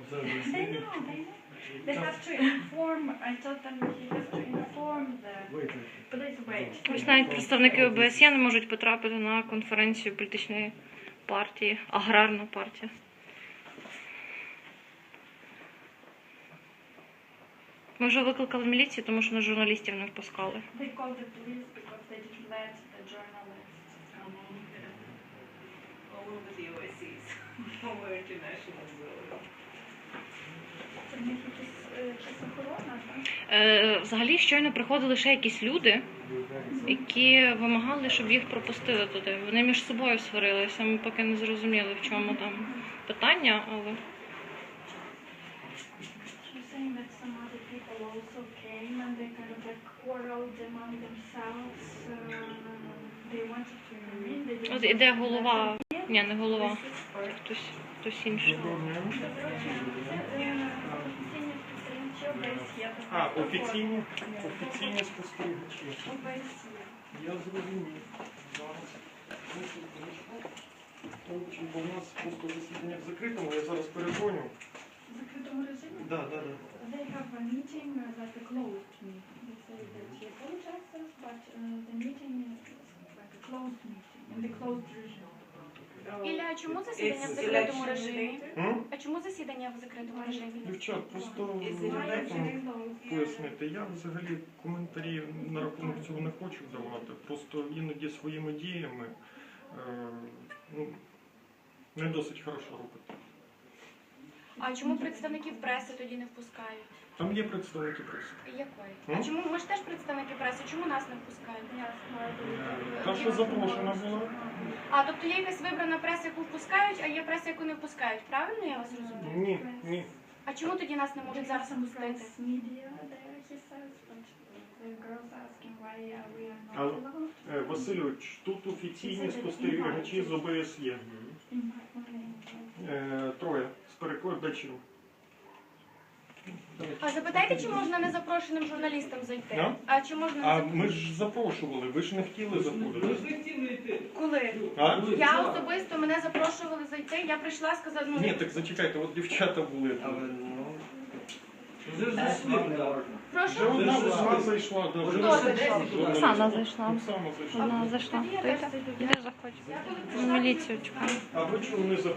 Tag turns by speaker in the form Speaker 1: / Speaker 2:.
Speaker 1: They know. They have to inform. I told them he has to inform the. Please wait.
Speaker 2: Ось навіть представники ОБСЄ не можуть потрапити на конференцію політичної партії, аграрна партія. Ми вже викликали міліцію, тому що на журналістів не впускали.
Speaker 1: They called the police because they didn't let the journalists come in.
Speaker 3: All over the OSCs, over international zone.
Speaker 1: Це в них якась охорона, так?
Speaker 2: Взагалі, щойно приходили ще якісь люди, які вимагали, щоб їх пропустили туди. Вони між собою сварилися, ми поки не зрозуміли, в чому там питання, але...
Speaker 1: She's saying that some other people also came and they kind of like quarreled among themselves. They wanted to remain. They didn't
Speaker 2: От іде
Speaker 1: want to
Speaker 2: голова,
Speaker 1: let them in.
Speaker 2: ні, не голова, хтось інший.
Speaker 4: Офіційні спостерігачі. Я зрозумів. Бо в нас просто засідання в закритому, я зараз передзвоню.
Speaker 1: В закритому режимі?
Speaker 4: Да.
Speaker 1: They have a meeting like a closed meeting. They say that he apologizes, but the meeting is like a closed meeting in the closed regime.
Speaker 5: Ілля, а чому засідання в
Speaker 3: It's
Speaker 5: закритому
Speaker 3: election
Speaker 5: режимі?
Speaker 3: related.
Speaker 5: А чому засідання в закритому режимі?
Speaker 4: Дівчат, просто
Speaker 1: Actually, no.
Speaker 4: пояснити. Я взагалі коментарі на рахунок цього не хочу давати. Просто іноді своїми діями не досить хорошо робити.
Speaker 5: А чому представників преси тоді не впускають?
Speaker 4: Там є представники преси.
Speaker 5: Якої? А чому ми ж теж представники преси? Чому нас не впускають?
Speaker 4: Та, що запрошена була.
Speaker 5: А, тобто є якась вибрана преса, яку впускають, а є преса, яку не впускають. Правильно я вас розумію?
Speaker 4: Ні.
Speaker 5: А чому тоді нас не можуть зараз
Speaker 1: Some
Speaker 5: впустити?
Speaker 1: press media there, he says, but the girls asking why we are not
Speaker 4: Але,
Speaker 1: allowed.
Speaker 4: Васильович, тут офіційні спостерігачі з ОБСЄ. Троє з перекладачів.
Speaker 5: А запитайте, чи можна незапрошеним журналістам зайти?
Speaker 4: А?
Speaker 5: А чи можна
Speaker 4: А
Speaker 5: незапрошеним?
Speaker 4: ми ж запрошували, ви ж не хотіли заходити.
Speaker 5: Коли?
Speaker 4: А?
Speaker 5: Я особисто мене запрошували зайти, я прийшла, сказала, ну...
Speaker 4: Ні, так зачекайте, от дівчата були тут.
Speaker 5: Прошу?
Speaker 4: Вже одна вона зайшла. Да, вже
Speaker 5: Хто зайшов?
Speaker 2: Оксана зайшла.
Speaker 4: Оксана зайшла.
Speaker 2: Вона зайшла.
Speaker 1: Тоді я
Speaker 2: То
Speaker 1: теж
Speaker 2: йде?
Speaker 1: зайду.
Speaker 2: Іди, заходь. Міліцію чекаємо.
Speaker 4: А ви чому не заходите?